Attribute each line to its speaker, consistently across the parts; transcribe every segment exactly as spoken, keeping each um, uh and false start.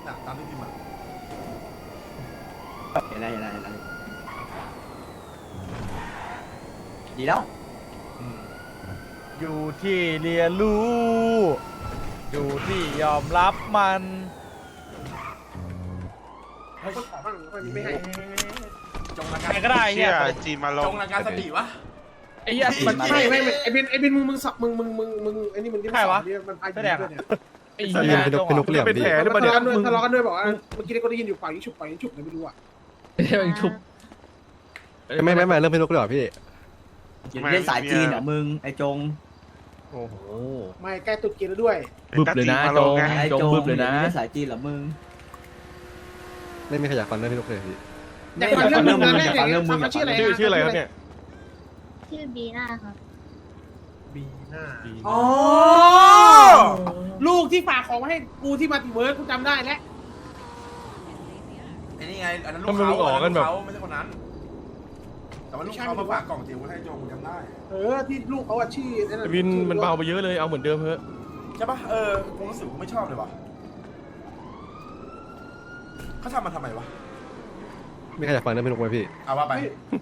Speaker 1: น่ะตามที่พิมพ์มา
Speaker 2: เห็นอะไรเห็นอะไรเห็นอะไรดีแล้ว
Speaker 3: อยู่ที่เรียนรู้อยู่ที่ยอมรับมัน
Speaker 1: ไม่ให้จงละกัน
Speaker 3: ใครก็ได้เฮีย
Speaker 4: จีนมาลง
Speaker 1: จงละกันสติวะ
Speaker 3: ไอ้เหี้ยมัน
Speaker 5: ไม่ไม่ไอ้บินไอ้บินมึงมึงสับมึงมึงมึงมึงไอ้นี่มึงที่มันมันพายอยู่ด้วยเนี่ย
Speaker 3: ไอ้เหี้ยเป็นนกเหลี่ยมดิ
Speaker 5: ทะเลาะกันด้วยทะเลาะกันด้วยบอกว่าเมื่อกี้ก็ได้ยินอยู่ฝ่ายยิงฉุบฝ่ายยิงฉุบเลยไม่รู้อ่ะ
Speaker 3: เดี๋ยวชุบ
Speaker 6: ไม่ไม่ไม่เรื่องพี่นุกเลยเหรอพี่
Speaker 2: เล่นสายจีนเหรอมึงไอ้จง
Speaker 6: โอ้โห
Speaker 5: ไม่ใกล้ตุดกินแล้วด้วย
Speaker 3: บึบเลยนะจง
Speaker 2: ไอ้
Speaker 3: จง
Speaker 2: จง
Speaker 3: บึบเลยนะ
Speaker 2: เล่นสายจีนเหรอมึง
Speaker 6: ไม่มีใครอยากฟังเรื่องพี่นุกเลยพี่
Speaker 5: แต่ฟังเรื่องมึงนะเนี่ยฟังชื่ออะไร
Speaker 7: ชื่อชื่ออะไรครับเนี่ย
Speaker 8: ชื่อบีน่าครับ
Speaker 5: บีน่าอ๋อลูกที่ฝากของมาให้กูที่มาติเวิร์กกูจำได้แล้ว
Speaker 1: ไอ้นี่ไงอันนั้นลูกเขาอันนั้นลูกเขาไม่ใช่คนนั้นแต่ว่าลูกเขามาฝากกล่องจิ๋วให้จงจำได้
Speaker 5: เออที่ลูกเขาอะชื่อ
Speaker 7: วินมันเบาไปเยอะเลยเอาเหมือนเดิมเถอะ
Speaker 1: ใช่ปะเออผมรู้สึกไม่ชอบเลยวะเขาทำมาทำไมวะ
Speaker 6: ไม่ใครอยากฟังเรื่องพี่นุกไหมพี่
Speaker 1: เอาว่าไป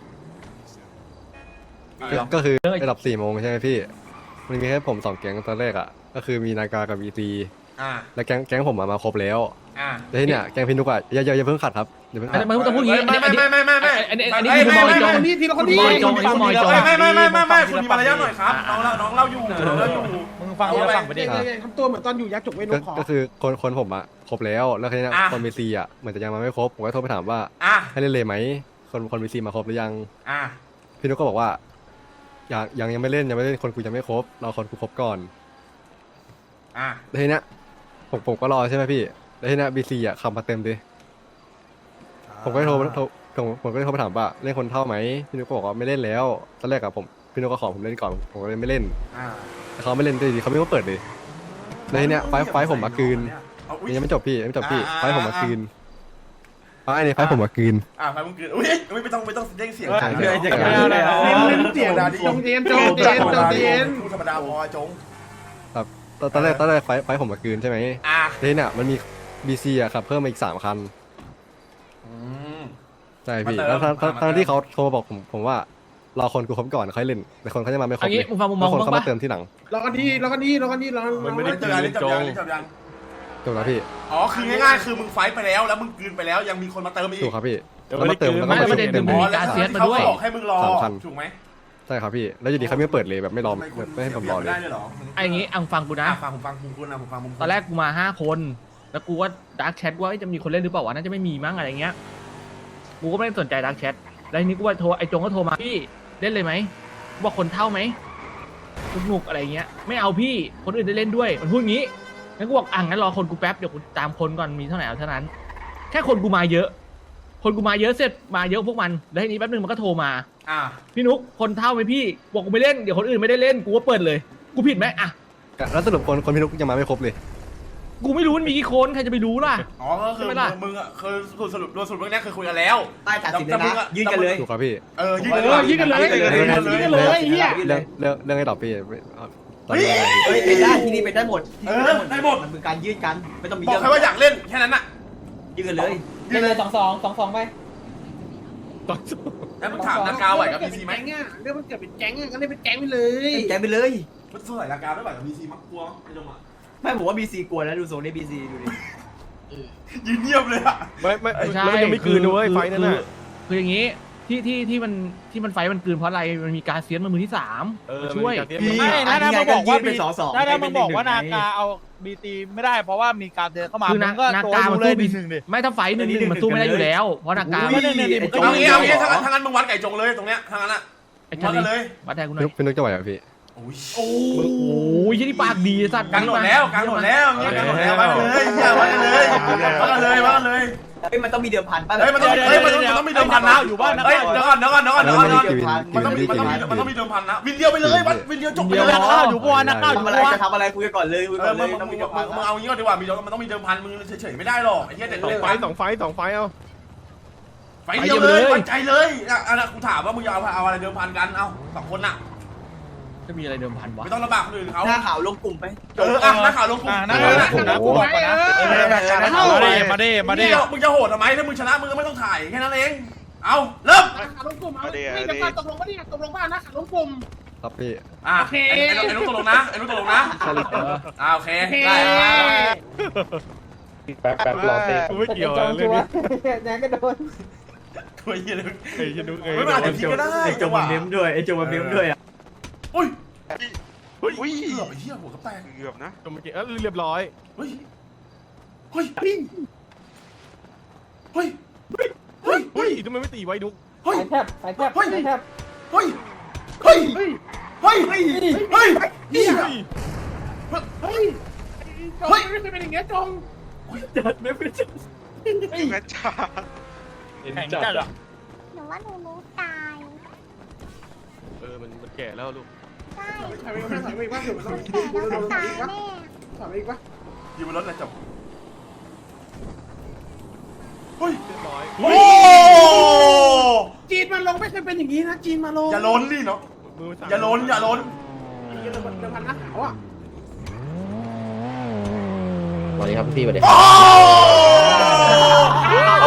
Speaker 6: ก็คือระดับสี่โมงใช่ไหมพี่มันมีแค่ผมสองแก๊งตอนแรกอ่ะก็คือมีนากากับบีซี
Speaker 1: อ่า
Speaker 6: แล้วแก๊งแก๊งผมมาครบแล้ว
Speaker 1: อ่า
Speaker 6: แล้วที่เนี่ยแก๊งพี่นุกอ่ะอย่าอย่าอย่าเพิ่งขัดครับอย่าเพิ่ง
Speaker 3: อัน
Speaker 6: ขัด
Speaker 3: นี้มันต้องพูดอย่างนี้
Speaker 1: ไม่ไม่ไม่ไม่ไม่ไม่
Speaker 3: อันนี้อันนี้คือมอยจง
Speaker 5: คนนี้ทีละคนนี้
Speaker 3: มอยจงอันนี้คือมอยจง
Speaker 1: ไม่ไม่ไม่ไม่ไม่คุณมีมารยาทหน่อยครับน้องเล่าน้องเล่าอยู่น้องเล่าอยู่
Speaker 3: มึงฟังกูฟังไปดิ
Speaker 5: ทำตัวเหมือนตอนอยู่ยักษ์จกเวนขอ
Speaker 6: ก็คือคนคนผมอ่ะครบแล้วแล้วทีเนี้ยคนบีซีอ่ะเหมือนจะยังมาไม่ครบผมก็โทรไปถามว่า
Speaker 1: อ่ะ
Speaker 6: ให้เล่นเลยไหมคนคนบีซีมาครบหรือยัง
Speaker 1: อ่ะ
Speaker 6: พี่นุกก็บอกว่ายังยังยังไม่เล่นยังไม่เล่นคนกูยังไม่ครบเราคนกูครบก่อน
Speaker 1: อ่ะ
Speaker 6: แล้วทีเนี้ยผมผมก็รอใช่ไหมพี่แล้วทีเนี้ยบีซีอ่ะขับมาเต็มดิผมก็โทรโทรผมผมก็โทรไปถามว่าเล่นคนเท่าไหมพี่นุกก็บอกว่าไม่เล่นแล้วตอนแรกอะผมพี่นุกก็ขอผมเล่นก่อนผมก็เลยไม่เล่น
Speaker 1: อ่ะ
Speaker 6: แต่เขาไม่เล่นด้วยดีเขาไม่มาเปิดเลยแล้วทีเนี้ยไฟไฟผมมาคืนยังไม่จบพี่ยังไม่จบพี่ไฟผมมาคืนไฟนี่ไฟผมมาคืน
Speaker 1: อ่ะไฟมึงคืนอุ้ยไม่ต้องไม่ต้องเด้งเสียง
Speaker 6: ใช่
Speaker 2: เดี๋ยวจะ
Speaker 1: เ
Speaker 2: กลับมาแล้ว
Speaker 5: เล่นเสียงจงเทียนจงเทียนจงเทียน
Speaker 1: ธรรมดาพอจง
Speaker 6: ครับตอนตอนแรกตอนแรกไฟไฟผมมาคืนใช่ไหม
Speaker 1: อ่ะ
Speaker 6: ทีเนี้ยมันมีบีซีอะครับเพิ่มมาอีกสามคัน
Speaker 1: อืม
Speaker 6: ใช่พี่
Speaker 1: มาเติม
Speaker 6: แล้วทั้งทั้ง
Speaker 1: มาเติม
Speaker 6: ทั้งที่เขาโทรมาบอกผมผมว่ารอคนกูครบก่อนค่อยเล่นแต่คนเขาจะมาไม่คร
Speaker 3: อั
Speaker 6: บ
Speaker 3: น
Speaker 6: เล
Speaker 3: นี้
Speaker 6: ย
Speaker 3: มึงฟังมุมมอง
Speaker 6: บางคน
Speaker 3: บ้าง
Speaker 6: เขามา
Speaker 3: ปะ
Speaker 6: เติมที่หลัง
Speaker 5: รอกันดีรอกันดีรอกันดีรอ
Speaker 7: มันไม่ได้
Speaker 1: เจออันนี้จบยังจบยัง
Speaker 6: จบแล้วพี่
Speaker 1: อ๋อคือง่ายๆคือมึงไฟไปแล้วแล้วมึงคืนไปแล้วยังมีคนมาเติมอีก
Speaker 6: ถูกครับพี่
Speaker 7: เดี๋ยว
Speaker 6: แล้ว
Speaker 7: ไม่
Speaker 6: มา
Speaker 7: ได้
Speaker 6: เติม
Speaker 7: คืน
Speaker 6: แล้วก็
Speaker 3: ไม่
Speaker 6: มา
Speaker 3: ได้
Speaker 6: เติม
Speaker 3: เติ
Speaker 6: เต็
Speaker 3: ม
Speaker 6: ม
Speaker 3: มีการเสียมาด้วย
Speaker 1: เขาบอกให้มึงรอ
Speaker 6: สามคัน
Speaker 1: ถูกไหม
Speaker 6: ใช่ครับพี่แล้วอยู่ดีเขาไม่เปิดเลยแบบไม่รอ
Speaker 1: ทำไมคุณ
Speaker 6: ไม่ให้ผมรอเลย
Speaker 1: ได้เลยเหรอ
Speaker 3: ไอ้อย่างงี้อังฟังกูนะ
Speaker 1: อ่ะฟังผมฟังมุมคุณนะผมฟังมุมคุณ
Speaker 3: ตอนแรกกูมาห้าคน แล้วกูว่าดักแชทว่าจะมีคนเล่นหรือเปล่าวะน่าจะไม่มีมั้งอะไรเงี้ย กูก็ไม่ได้สนใจดักแชท แล้วทีนี้กูว่าโทรไอ้จงก็โทรมาพี่เล่นเลยไหมบอกคนเท่าไหมสนุกอะไรเงี้ย ไม่เอาพี่ คนอื่นได้เล่นด้วย มันพูดงี้ งั้นกูบอกอ่ะงั้นรอคนกูแป๊บเดี๋ยวกูตามคนก่อนมีเท่าไหร่เอาเท่านั้น แค่คนกูมาเยอะ คนกูมาเยอะเสร็จมาเยอะพวกมัน แล้วทีนี้แป๊บนึงมันก็โทรมา
Speaker 1: อ่ะ
Speaker 3: พี่นุ๊กคนเท่าไหมพี่ บอกกูไม่เล่น เดี๋ยวคนอื่นไม่ได้เล่น กูก็เปิดเลย กูผิดไหมอ่ะ
Speaker 6: แล้วสรุปคนคนพี่นุกยังมาไม่ครบเลย
Speaker 3: กูไม่รู้มันมีกี่คนใครจะไปรู้ล่ะ
Speaker 1: อ๋อก็คือ
Speaker 3: ใช่ไหมล่ะ
Speaker 1: มึงอ่ะคือสรุปโดยสรุปเรื่องนี้คือคุยกันแล้ว
Speaker 2: ใต้ตัดสินเลยนะยื่นกันเลย
Speaker 6: ถูกครับพี่
Speaker 1: เออยื่น
Speaker 5: เออยิงกันเลยยิงกันเลยเฮีย
Speaker 6: เรื่องเรื่องเรื่องไอ้ต่อพี่ตอน
Speaker 1: เฮ้ย
Speaker 6: นี้อะไร
Speaker 2: เฮ้ยเป็นได้ที่นี่เป็นได้หมด
Speaker 1: เออได้หมด
Speaker 2: มันเป็นการยื่นกันไม่ต้องมี
Speaker 1: บอก
Speaker 2: เรื่อง
Speaker 1: แค่ว่าอยากเล่นแค่นั้นน่ะ
Speaker 2: ยื่นกันเลย
Speaker 1: ยื่นเลย
Speaker 3: สองสองสองสองไป
Speaker 1: แล้วมึงถามนากาไหวกับพีซีไหม
Speaker 5: เรื่องมันเกิดเป็นแก๊งก็เลยเป็นแก๊งไปเลย
Speaker 2: แกไปเลย
Speaker 1: มันสู้ไหวนากาไม่ไหวกับพีซีมั้งกลัวไอ้จงอ่ะ
Speaker 2: ไม่ผมว่าบีซีกลัวแล้วดูทรงนี้บีซีดูดิ
Speaker 1: ยืนเงียบเลยอ่ะ
Speaker 7: ไม่ไม่
Speaker 3: ไม่ใช่
Speaker 7: แล้วมันยังไม่คืนด้วยไฟนั่นน่ะ
Speaker 3: คืออย่างนี้ที่ที่ที่มันที่มันไฟมันกลืนเพราะอะไรมันมีการเซียนมามือที่สาม
Speaker 7: เออ
Speaker 3: มาช่วย
Speaker 7: มันมี
Speaker 3: ไม่
Speaker 7: การเตรียม
Speaker 3: นะนะมึงบอกว่า
Speaker 2: เป็นสอสอ
Speaker 3: ถ้าถ้ามึงบอกว่านากาเอาบีตีไม่ได้เพราะว่ามีการเดินเข้ามาคือนานาการมันสู้บีหนึ่งดิไม่ถ้าไฟหนึ่งหนึ่งมันสู้ไม่ได้อยู่แล้วเพราะนากา
Speaker 2: อุ้ยไอ้จง
Speaker 1: เอางี้เอางี้ถ้างั้นถ้างั้นมึงวัดไก่จงเลยตรงเนี้ยถ้างั้นอ่ะ
Speaker 3: ไอ้
Speaker 1: วั
Speaker 3: ชา
Speaker 1: ด
Speaker 3: ลี
Speaker 1: กันเลย
Speaker 3: วัดแทนกูหน่
Speaker 6: พี่
Speaker 3: อย
Speaker 6: นุกพี่นุกจะไหวเหรอพี่
Speaker 1: โอ้ย
Speaker 3: โอ้ยยี่นี่ปากดีสัตว์
Speaker 1: กลางหนดแล้วกลางหนดแล้วเงี้ยกลางหนดแล้ววัดกันเลยเฮียวัดกันเลยวัดกันเลยวัดกันเลย
Speaker 2: เฮ้ยมันต้องมีเดิมพันป่ะ
Speaker 1: เฮ้ยมันต้องเฮ้ยมันต้องมันต้องมีเดิมพันนะ
Speaker 3: อยู่บ้านนะ
Speaker 1: เฮ้ยเดี๋ยวก่อนเดี๋ยวก่อนเดี๋ยวก่อนเดี๋ยวก่อนเดี๋ยวก่อน
Speaker 6: กิน
Speaker 1: มันต้องมี
Speaker 6: กิ
Speaker 1: มัน
Speaker 6: น
Speaker 1: ต้องมี
Speaker 6: กิน
Speaker 1: มันต้องมีเดิมพันนะวินเดียวไปเลยวัดวินเดียวจบไป
Speaker 3: เดี๋ยว
Speaker 1: เลย
Speaker 3: นักข้าวอยู่บ้านนักข้าวอยู่
Speaker 2: ทำอะไร
Speaker 3: บ้าน
Speaker 2: จะทำอะไรคุยกันก่อนเลยคุย
Speaker 1: เอ
Speaker 2: ก่อ
Speaker 1: อน
Speaker 2: เล
Speaker 1: มึ
Speaker 2: ย
Speaker 1: ง
Speaker 2: ต้อง
Speaker 1: มึ
Speaker 2: มี
Speaker 1: ง
Speaker 2: เดิม
Speaker 1: มึ
Speaker 2: พั
Speaker 1: ง
Speaker 2: น
Speaker 1: มึงเอางี้ก็ดีกว่ามีมันต้องมีเดิมพันมึงเฉยๆไม่ได้หรอกไอ้เหี้ยเด็ก
Speaker 7: สองไฟ
Speaker 1: ไฟ
Speaker 7: สองไฟสองไฟเอา
Speaker 1: ไฟเดียวเลยวัดใจเลยอ่ะอันนั้นกูถามว่ามึงจะเอาเอาอะไรเดิมพันกันเอาสองคนน่ะ
Speaker 3: จะมีอะไรเดิมพันวะ
Speaker 1: ไม่ต้องลำบากคนอื่นเขา
Speaker 2: หน้าข่าวลงกลุ่มไป
Speaker 1: เอออ่ะนักข่าวลงกลุ่ม
Speaker 3: นักข่าวลงกลุ่มนะกูบอกก่อนนะ
Speaker 7: มาดิมาดิมาดิ
Speaker 1: มึงจะโหดทำไมถ้ามึงชนะมึงก็ไม่ต้องถ่ายแค่นั้นเองเอาเริ่ม
Speaker 5: ขาลงกลุ่มเอาไม่จะตกลงว่าเนี่ยตกลงว่านะขาลงกลุ่ม
Speaker 6: ครับพี่
Speaker 1: อ่ะ
Speaker 5: โอเค
Speaker 1: ไอ้ไอ้นุ๊กตกลงนะไอ้นุ๊กตกลงนะอ่าโอเคได้
Speaker 4: แป๊บแป๊บรอเต้
Speaker 7: กูไม่เกี่ยวเรื่องนี้
Speaker 5: แดงก็โดน
Speaker 1: ตัวเหี้ยเลย
Speaker 7: ไอ้ยันนุ๊กเอ้ย
Speaker 1: ไม่มา
Speaker 2: ไอ้โจไอ้โจมาเม้มด้วยไอ้โจมาเม้มด้วยอ่ะ
Speaker 1: อุ้ย
Speaker 4: อุ้ย
Speaker 1: เกือบไอ้เหี้ยหัวกระแตก
Speaker 4: เกือบนะ
Speaker 7: จมเมื่อกี้เอ้ยเรียบร้อย
Speaker 1: เฮ้ยเฮ้ยเฮ้ยเฮ้ยเฮ้ย
Speaker 7: เฮ้ยทำไมไม่ตีไว้นุ๊ก
Speaker 1: เฮ้ย
Speaker 5: สายแทบสายแทบ
Speaker 1: เฮ้ย
Speaker 5: สายแทบ
Speaker 1: เฮ้ยเฮ้ยเฮ้ยเฮ้ยเฮ้ยเฮ้ย
Speaker 5: เฮ้ยเฮ้ยจงไม่เคยเป็นอย่างเงี้ยจง
Speaker 2: จัดไม่เป็นจัด
Speaker 4: แม่จ้า
Speaker 3: แข่งจัดอะ
Speaker 8: หนูว่าหนูรู้ตาย
Speaker 7: เออมันมันแก่แล้วลูก
Speaker 8: ใช่
Speaker 5: ถอยไปอีกถอยไปอีกว่าเดี๋ยวมันต้อง
Speaker 8: แต่แล้วก็ตายแน่
Speaker 5: ถอยไปอีกว่า
Speaker 1: อยู่บนรถเลยจบเฮ้ย
Speaker 7: เรียบร้อย
Speaker 1: โอ้
Speaker 5: จีนมาลงไม่เคยเป็นอย่างนี้นะจีนมาลง
Speaker 1: อย่าล้นดิเนาะ
Speaker 7: มือสั่น
Speaker 1: อย่าล้นอย่าล้น
Speaker 5: เดี๋ยวพันเดี๋ยวพันนักขาวอ่ะ
Speaker 4: สวัสดีครับพี่สวัสดี
Speaker 1: โอ้โอ้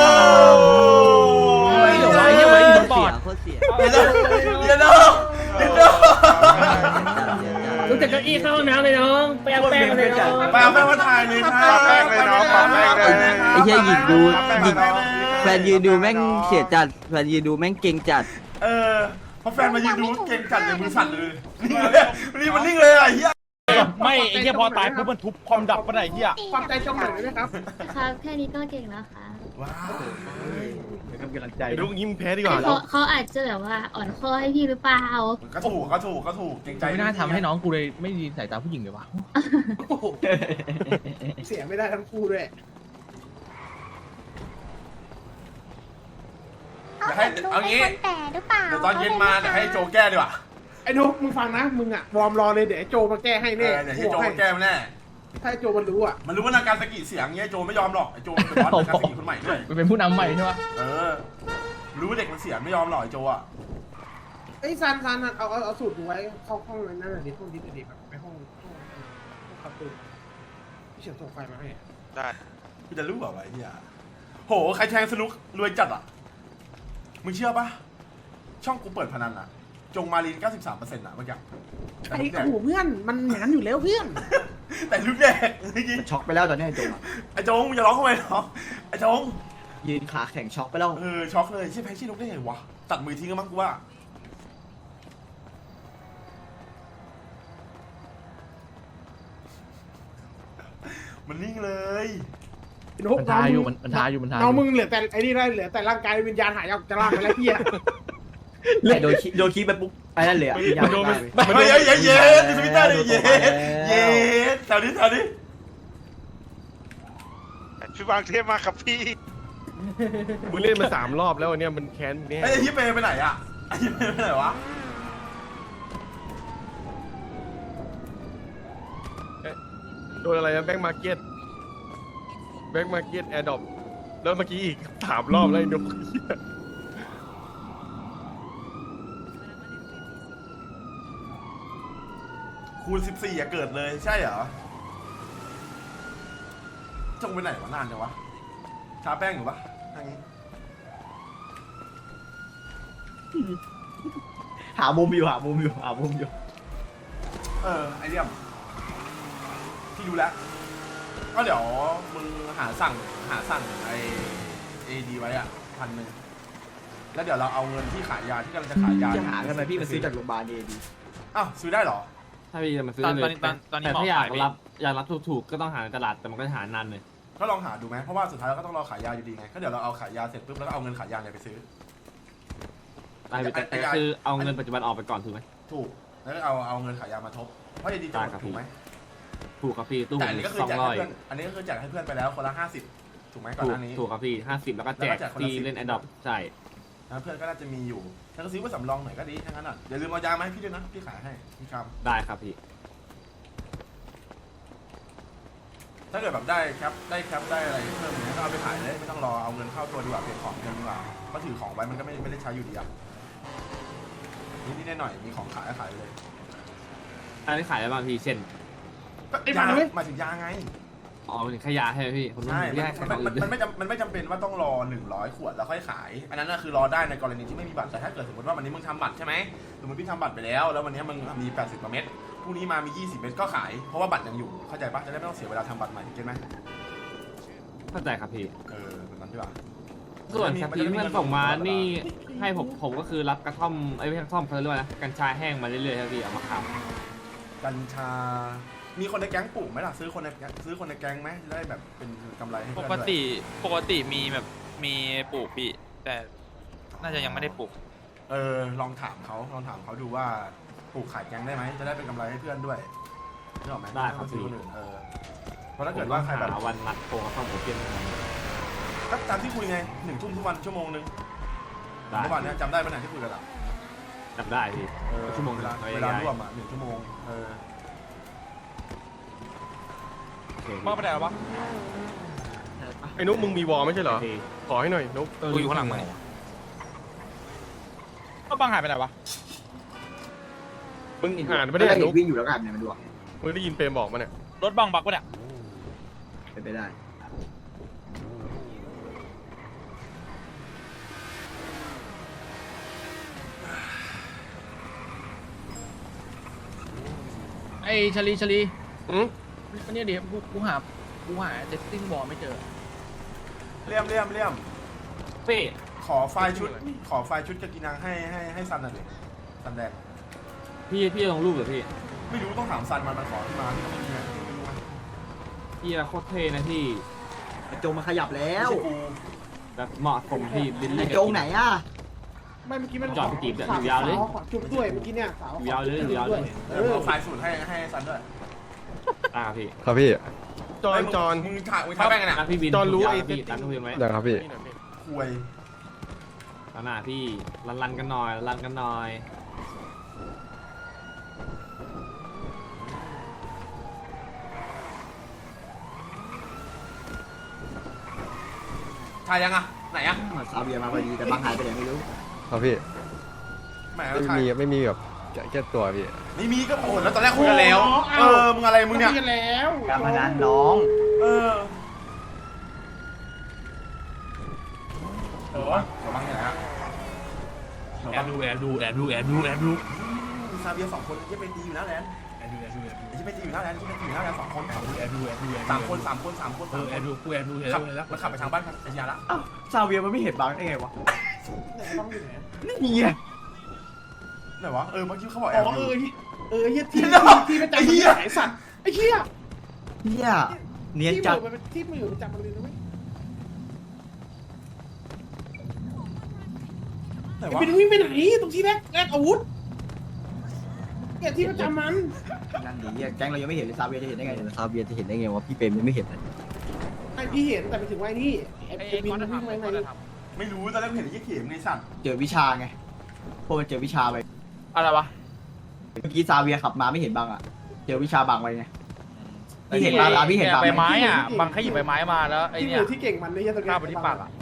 Speaker 3: ไอ้เดี๋ยวไว้เดี๋ยวไว้สปอร์ต
Speaker 1: เดี๋ยวเดี๋ยวเดี๋ยวเดี๋ยวเดี๋ยว
Speaker 3: ลุกจากเก้าอี้เข้าห้องน้ำเลยน้องไปเอาแป้งเลยน้อง
Speaker 1: ไปเอาแป้งมาถ่ายเลยนะ
Speaker 4: ปาแป้งเลยน้องปาแป้งเลย
Speaker 9: ไอ้เหี้ยหยิงดูหยิงแฟนยืนดูแม่งเสียจัดแฟนยืนดูแม่งเก่งจัด
Speaker 1: เออพอแฟนมายืนดูเก่งจัดเลยมือสั่นเลยนิ่งเลยนี่มันนิ่งเลยไอ้เหี้ย
Speaker 7: ไม่ไอ้เหี้ยพอตายปุ๊บมันทุบความดับปะไหนเหี้ย
Speaker 5: ความใจจงหน่อยได้ไหมครับ
Speaker 8: ครับแค่นี้ก็เก่งแล้วค่ะ
Speaker 1: ว้าว
Speaker 2: กำลังใจ
Speaker 7: ไอ้นุ๊กยิ้มแพ้ดีกว่า
Speaker 8: เขาเขาอาจจะแบบว่าอ่อนข้อให้พี่หรือเปล่า
Speaker 1: ก็ถูกก็ถูกก็ถูกเก่งใจ
Speaker 3: ไม่น่าทำให้น้องกูเลยไม่ดีสายตาผู้หญิงเลยวะ
Speaker 5: โอ้โหเสียไม่ได้ทั้งคู่ด้วย
Speaker 1: เดี๋ยวให้เอางี้
Speaker 8: แต่หรือเปล่า
Speaker 1: เดี๋ยวตอนเย็นมาเดี๋ยวให้โจแก้ดีกว่า
Speaker 5: ไอ้นุ๊กมึงฟังนะมึงอ่ะวอร์มรอเลยเดี๋ยวไอ้โจมาแก้ให้
Speaker 1: เอ
Speaker 5: แน่
Speaker 1: อเดี๋ยวให้โจแก้มาแน่
Speaker 5: ถ้าไอ้โจมันรู้อ่ะ
Speaker 1: มันรู้ว่านาการสกิเสียงเงี้ยโจไม่ยอมหรอกไอโจเป็นบอสนาการสกิคนใหม่ด้วย
Speaker 3: มันเป็นผู้นำใหม่ใช่ปะ
Speaker 1: เออ รู้ว่าเด็กมันเสียไม่ยอมหรอกไอโจอ่ะ
Speaker 5: ไอ้ซันซันเอาเอาเอาสูตรดูไว้เข้าห้องนั้นน่ะดิห้องดิบดิบแบบไปห้องห้องห้องขับตูพี่เฉียบส่งไฟมาให้
Speaker 4: ได้
Speaker 1: พี่จะรู้เปล่าวะไอ้เหี้ยโหใครแทงสนุกรวยจัดอ่ะมึงเชื่อปะช่องกูเปิดพนันอ่ะจงมารีน เก้าสิบสามเปอร์เซ็นต์ อ่ะเมื่อกี้
Speaker 5: ไอ้ขู่เพื่อนมันหนานอยู่แล้วเพื่อน
Speaker 1: แต่ลูกแดกเมื่อกี้
Speaker 2: มันช็อกไปแล้วตอนนี้ไอ้โจอะ
Speaker 1: ไอ้จงมึงจะร้องทำไมเนาะไอ้จง
Speaker 2: ยืนขาแข็งช็อกไปแล้ว
Speaker 1: เออช็อกเลยใช่แพ้ชื่อลูกได้ไงวะตัดมือทิ้งกันมั้งกูว่ามันนิ่งเลย
Speaker 3: มันทาอยู่มันมันทาอยู่มันทาอ
Speaker 5: น้อง
Speaker 3: ยู่
Speaker 5: มึงเหลือแต่ไอ้นี่ได้เหลือแต่ร่างกายวิญญาณหายออกจากร่างไปแล้วเฮีย
Speaker 2: ไอ้โดนคีโดนคีไปปุ๊บไปนั่นเลยอ่ะวิญญาณ
Speaker 7: โดน
Speaker 2: ตาย
Speaker 7: มัน
Speaker 1: เฮ้ยเฮ้ยเฮ้ยเย้ดิสวิตเตอร์ดิเย้เย้แถวนี้แถวนี้
Speaker 4: พี่วางเทพมาครับพี่
Speaker 7: มึงเล่นมาสามรอบแล้วอันเนี้ยมันแค้นแน่
Speaker 1: ไอ้ยี่เปย์ไปไหนอ่ะไอ้ยี่เปย์ไปไหนวะ
Speaker 7: โดนอะไรนะแบงก์มาร์เก็ตแบงก์มาร์เก็ตแอร์ดรอปแล้วเมื่อกี้อีกสามรอบแล้วไอ้นุ๊ก
Speaker 1: คูณสิบสี่อะเกิดเลยใช่เหรอจงไปไหนวะนานจังวะทาแป้งอยู่ปะทางนี้
Speaker 2: หามุมอยู่หามุมอยู่หามุมอยู่
Speaker 1: เออไอเดียมที่ดูแล้วก็เดี๋ยวมึงหาสั่งหาสั่งไอเอดีไว้อ่ะพันหนึ่งแล้วเดี๋ยวเราเอาเงินที่ขายยาที่กำลังจะขายยา
Speaker 2: จะหากันไหมพี่มาซื้อจากโรงพยาบาลดีดี
Speaker 1: อ้าวซื้อได้เหรอ
Speaker 10: ถ้าพี่จะมาซื้อ
Speaker 9: ตอน
Speaker 10: เลย
Speaker 9: ตอนตอนนี้
Speaker 10: แต่
Speaker 9: หมอ
Speaker 10: ถ้าอยาก
Speaker 9: ขายไหม
Speaker 10: รับอยากรับถูกๆก็ต้องหาในตลาดแต่มันก็จะหานานเลย
Speaker 1: ก็ลองหาดูไหมเพราะว่าสุดท้ายเราก็ต้องรอขายยาอยู่ดีไงก็เดี๋ยวเราเอาขายยาเสร็จปุ๊บแล้วก็เอาเงินขายยาเนี่ยไปซื้อ
Speaker 10: ได้พี่แต่
Speaker 1: ไอ้
Speaker 10: แต่
Speaker 1: ไอ้
Speaker 10: คือเอาเงินปัจจุบันออกไปก่อนถูกไหม
Speaker 1: ถูกแล้วก็เอาเอาเงินขายยามาทบเพราะเอดีจะหมดถูกไหม
Speaker 10: ถูกครับพี่ตู้
Speaker 1: แต่อันนี้ก็คือ
Speaker 10: สอง
Speaker 1: แจก
Speaker 10: ร้
Speaker 1: ให้
Speaker 10: อย
Speaker 1: เพื่อนอันนี้ก็คือแจกให้เพื่อนไปแล้วคนละห้าสิบถูกไหมก่อน
Speaker 10: ถู
Speaker 1: ห
Speaker 10: ก
Speaker 1: น้านี้
Speaker 10: ถูกครับพี่ห้าสิบแล้วก็แจก
Speaker 1: แล้วก็แจกคนละ
Speaker 10: ที่
Speaker 1: สิบ
Speaker 10: เล่นแอดดอปใช่
Speaker 1: นะเพื่อนก็น่าจะมีอยู่ถ้าก็ซื้อมาสำรองหน่อยก็ดีทั้งนั้นอ่ะอย่าลืมเอายามาให้พี่ด้วยนะพี่ขายให้พี่ค
Speaker 10: ได้ครับพี่
Speaker 1: ำถ้าเกิดแบบได้แคปได้แคปได้อะไรเพิ่มอย่างเงี้ยก็เอาไปขายเลยไม่ต้องรอเอาเงินเข้าตัวดีกว่าเก็บของเงินดีกว่าเพราะถือของไว้มันก็ไม่ไม่ได้ใช้อยู่ดีอ่ะนิดๆหน่อยๆมีของขายก็ขายเลย
Speaker 10: อันนี้ขายได้บ้างพี่เช่น
Speaker 5: ไอ้
Speaker 1: ยา
Speaker 5: มันเว้ย
Speaker 1: หมายถึงยาไง
Speaker 10: อ๋อเป็นขยะใช่ไหมพี่คนนู้น
Speaker 1: ใช่
Speaker 10: แยก
Speaker 1: มัน
Speaker 10: กัน
Speaker 1: มัน
Speaker 10: อื่น
Speaker 1: มันไม่จำมันไม่จำเป็นว่าต้องรอหนึ่งร้อยขวดแล้วค่อยขาย อันนั้นน่ะคือรอได้ในกรณีที่ไม่มีบัตร แต่ถ้าเกิดสมมติว่าวันนี้มึงทำบัตรใช่ไหมสมมติพี่ทำบัตรไปแล้ว แล้ววันนี้มึงมีแปดสิบกว่าเม็ดพรุ่งนี้มามียี่สิบเม็ดก็ขาย เพราะว่าบัตรยังอยู่ เข้าใจปะจะได้ไม่ต้องเสียเวลาทำบัตรใหม่เก็ตไหม
Speaker 10: เข้าใจครับพี่
Speaker 1: เออแบบนั้นดีกว่า
Speaker 10: ส่วนส
Speaker 1: มั
Speaker 10: ปี
Speaker 1: จะ
Speaker 10: ด
Speaker 1: ไ
Speaker 10: มันส่งมา
Speaker 1: เงิ
Speaker 10: นี่ให้ผมผมก็คือรับกระท่อมไอ้ไม่ใช่กระท่อมเขาเรียกว่าอะไรกัญชาแห้งมาเรื่อยๆครับพี่เอามาขาย
Speaker 1: กัญชา มีคนในแก๊งปลูกไหมล่ะซื้อคนในแก๊งซื้อคนในแก๊งไหมจะได้แบบเป็นกำไรให้
Speaker 11: ป
Speaker 1: เพื่อน
Speaker 11: ก
Speaker 1: ด้วย
Speaker 11: ติปกติมีแบบมีปลูกพี่ แต่น่าจะยังไม่ได้ปลูก
Speaker 1: เออลองถามเขาลองถามเขาดูว่าปลูกขายแก๊งได้ไหมจะได้เป็นกำไรให้เพื่อนด้วยนึกออกไหม
Speaker 10: ได้ครับ
Speaker 1: ซื้อ
Speaker 10: พี่
Speaker 1: คนอื่นเออเพราะถ้า
Speaker 10: ผ
Speaker 1: เกิ
Speaker 10: ม
Speaker 1: ด
Speaker 10: ต้
Speaker 1: ว่า
Speaker 10: อง
Speaker 1: ใครแบบ
Speaker 10: หาวันนัดโทรเข้าโอเพียน
Speaker 1: ก็ตามที่คุยไงหนึ่งทุ่มทุกวันชั่วโมงนึง
Speaker 10: ได้
Speaker 1: เมื่อวานเนี้ยจำได้ไหมเนี่ยที่คุยกันอ่ะ
Speaker 10: จำได้พี่
Speaker 1: เออ
Speaker 10: ชั่วโมง
Speaker 1: เวลา
Speaker 10: หนึ่ง
Speaker 1: เวลาร่วมอ่ะหนึ่งชั่วโมงเออ
Speaker 10: โอเค
Speaker 11: มาไปไหนแล้ววะ
Speaker 7: ไอ้นุ๊กมึงมีวอลไม่ใช่เหรอ
Speaker 10: โอเค
Speaker 7: ขอให้หน่อยนุ๊ก
Speaker 11: กูอยู่ข้างหลังมึงก็บังหายไปไหนวะ
Speaker 7: มึงอ่านไม่ได้นุ๊ก
Speaker 9: วิ่งอยู่แล้วกันเนี่ยมันดู
Speaker 7: มึงได้ยินเปรมบอกมาเนี่ย
Speaker 11: รถบังบักปะเนี่ย
Speaker 9: เป็นไปได้
Speaker 3: ไอ้ชลีชลี
Speaker 7: อืม
Speaker 3: วันนี้เดี๋ยวกูกูหากูหาเดสติ้งบอลไม่เจอ
Speaker 1: เลี่ยมเลี่ยมเลี่ยม
Speaker 10: พี่
Speaker 1: ขอไฟล์ชุดขอไฟล์ชุดกากินังให้ให้ให้ซันหน่อยดิซันแดง
Speaker 10: พี่พี่ลงรูปเหรอพี่
Speaker 1: ไม่รู้ต้องถามซันมันมันขอที่มาที่เขาไม่มีนะไม่รู้นะ
Speaker 10: พี่โคตรเท่นะพี่
Speaker 9: ไอ้โจงมาขยับแล้
Speaker 1: ไม่
Speaker 9: ว
Speaker 1: ใช่กู
Speaker 10: แบบเหมาะสมพี่ลิ้น
Speaker 9: ไอ้
Speaker 10: เล่น
Speaker 9: โจงไหนอ่ะ
Speaker 5: ไม่เมื่อกี้มัน
Speaker 10: จอดไปจีบเนี่ย
Speaker 5: ส
Speaker 10: อยู่ยาวเลย
Speaker 5: สขอจุบด้วยเมื่อกี้เนี่ยสาว
Speaker 10: อยู่ยาวเลยอยู่ยาวเลย
Speaker 1: เออเอาไฟล์สูตรให้ให้ซันด้วย
Speaker 10: อ่าพี่
Speaker 6: ครับพี่
Speaker 7: จอนจอน
Speaker 1: มึงถ่ายมึงถ่ายแป้งกันอ่ะ
Speaker 10: ร้านพี่บิน
Speaker 7: จอนรู้ไอ้
Speaker 10: พี่ร้านพี่บินไหม
Speaker 6: อย่างครับพี่
Speaker 7: นี่หน่อยพี่
Speaker 1: คุย
Speaker 10: ร้านหน้าพี่รันรันกันหน่อยรันกันหน่อย
Speaker 1: ถ่ายยังอ่ะไหนอ่ะ
Speaker 9: ซาเบียมาพอดีแต่บางหายไปไหนไม่รู้
Speaker 6: ครับพี่
Speaker 1: แหม
Speaker 6: ไม่
Speaker 1: ถ่าย
Speaker 6: มีไม่มีแบบแค่ตัวพี่
Speaker 1: ไม่มีก็โอ้แล้วตอนแรกคุยกันแล้วเออมึงอะไรมึงเนี่ย
Speaker 5: คุกันแล้ว
Speaker 9: การพนันน้อง
Speaker 1: เออเออขอบ้างที่ไหนฮะ
Speaker 11: แอบดูแอบดูแอบดูแอบดูแอบดู
Speaker 1: ซาเบียสองคนยังเป็นตีอยู่นะแลน
Speaker 11: แอบดูแอบดูแอบดู
Speaker 1: ยังเป็นตีอยู่นะแลนยังเป็นตีอยู่นะแลนสองคน
Speaker 11: แอบดูแอบดูแอบดู
Speaker 1: สามคนสามคนสามคน
Speaker 11: เออแอบดูกูแอบดูเห็น
Speaker 1: ขับ
Speaker 11: แล้ว
Speaker 1: มันขับไปทางบ้านพัทยาละ
Speaker 9: อ้าวซาเบียมันไม่เห็นบางได้ไงวะ
Speaker 5: ไหนบ้างอยู่ไหน
Speaker 9: นี่ไง
Speaker 1: ไหนวะเออเมื่อกี้เขาบอกแอ
Speaker 5: อ๋
Speaker 1: บ
Speaker 5: อ
Speaker 1: อ
Speaker 5: เอยู่ อเออเฮียที่
Speaker 1: เดี๋ยว
Speaker 5: ที่ประจำ
Speaker 1: ไอ้
Speaker 5: มัน
Speaker 1: เหี้
Speaker 5: เลย ยไอ้สัตว์ไอ้เหี้ย
Speaker 9: เนี่ยเนียน
Speaker 5: ที่
Speaker 9: จัด
Speaker 5: มือมันเป็นที่มือประจำมันเลยนะเว้ย
Speaker 1: ไหน
Speaker 5: ไอ้
Speaker 1: วะ
Speaker 5: เป็นวิ่งไปไหนตรงที่แรกแรกอาวุธเนี่ยที่ประจำมัน
Speaker 9: นั่นดิเนี่ยแก๊งเรายังไม่เห็นเลยซาเบียจะเห็นได้ไงเนี่ยซาเบียจะเห็นได้ไงวะพี่เปรมยังไม่เห็นเลย
Speaker 5: ไอ้พี่เห็นแต่ไปถึงว่าไอ้นี่ไอ้
Speaker 3: ไอ้
Speaker 5: ไอ้บิน
Speaker 3: ก้อน
Speaker 5: มัน
Speaker 3: จะ
Speaker 5: วิ่ง
Speaker 3: ทำ
Speaker 5: ไป
Speaker 3: ไอ้
Speaker 5: ไห
Speaker 3: ก้อน
Speaker 5: น
Speaker 3: จะท
Speaker 1: ไม่รู้ตอนแรกเห็นไอ้ยี่เข็มไงสัตว์
Speaker 9: เจอวิชาไงพวกมันเจอวิชาไป
Speaker 3: ำอะไรวะ
Speaker 9: เมื่อกี้ซาเบียขับมาไม่เห็นบางอ่ะเจอวิชาบางไว้ไงพี่เห็นบางอ่ะพี่เห็นบาง
Speaker 3: ใบ
Speaker 9: ไหม
Speaker 3: ไม้อ่ะบังแค่หยิบใบไม้มาแล้วไอ้
Speaker 5: ที่
Speaker 3: เนี่
Speaker 5: มื
Speaker 3: ย
Speaker 5: อที่เก่งมันเลยยันตะเกีย
Speaker 3: ข้าบไปที่ปากอ่ะ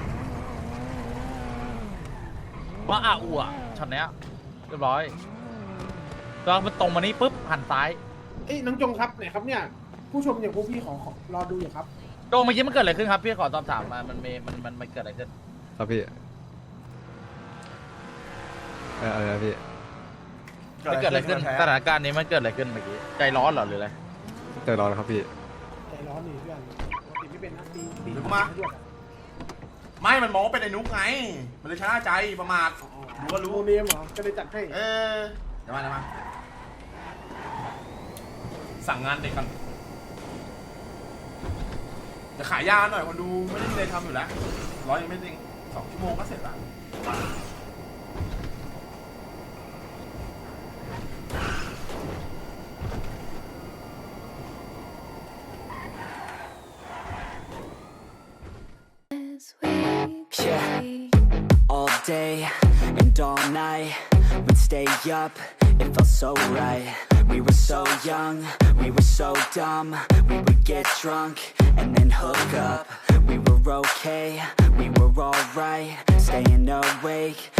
Speaker 3: ว่าอ่ะอูอ่ะช็อตเนี้ยเรียบร้อยแล้วมันตรงมานี่ปุ๊บหันซ้าย
Speaker 5: เอ้ยน้องจงครับไหนครับเนี่ยผู้ชมอย่างพวกพี่ขอขอรอดูอยู่ครับ
Speaker 3: โจเมื่อกี้มันเกิดอะไรขึ้นครับพี่ขอสอบถามมามันมีมันมันมันเกิดอะไรขึ้น
Speaker 6: ครับพี่เอออะไรนะพี่
Speaker 3: มันเกิดอะไรขึ้นสถานการณ์นี้มันเกิดอะไรขึ้นเมื่อกี้ใจร้อนเหรอหรืออะไร
Speaker 6: ใจร้อนครับพี่
Speaker 5: ใจร้อนนี่เพื่อนปกติไม่เป็นนะตีตี
Speaker 1: เดี๋ยวกูมาไม่มันมองว่าเป็นไอ้นุ๊กไงมันเลยชนะใจประมาทรู้ว่า
Speaker 5: รู้
Speaker 1: รู้
Speaker 5: เนมเหรอก็เลยจัดให้
Speaker 1: เออเดี๋ยวมาเดี๋ยวมาสั่งงานเด็กกันจะขายยาหน่อยคนดูไม่ได้มีอะไรทำอยู่แล้วร้อยยังไม่จริงสองชั่วโมงก็เสร็จละ
Speaker 12: Yeah, all day and all night we'd stay up, it felt so right. We were so young, we were so dumb. We would get drunk and then hook up. We were okay, we were alright, staying awake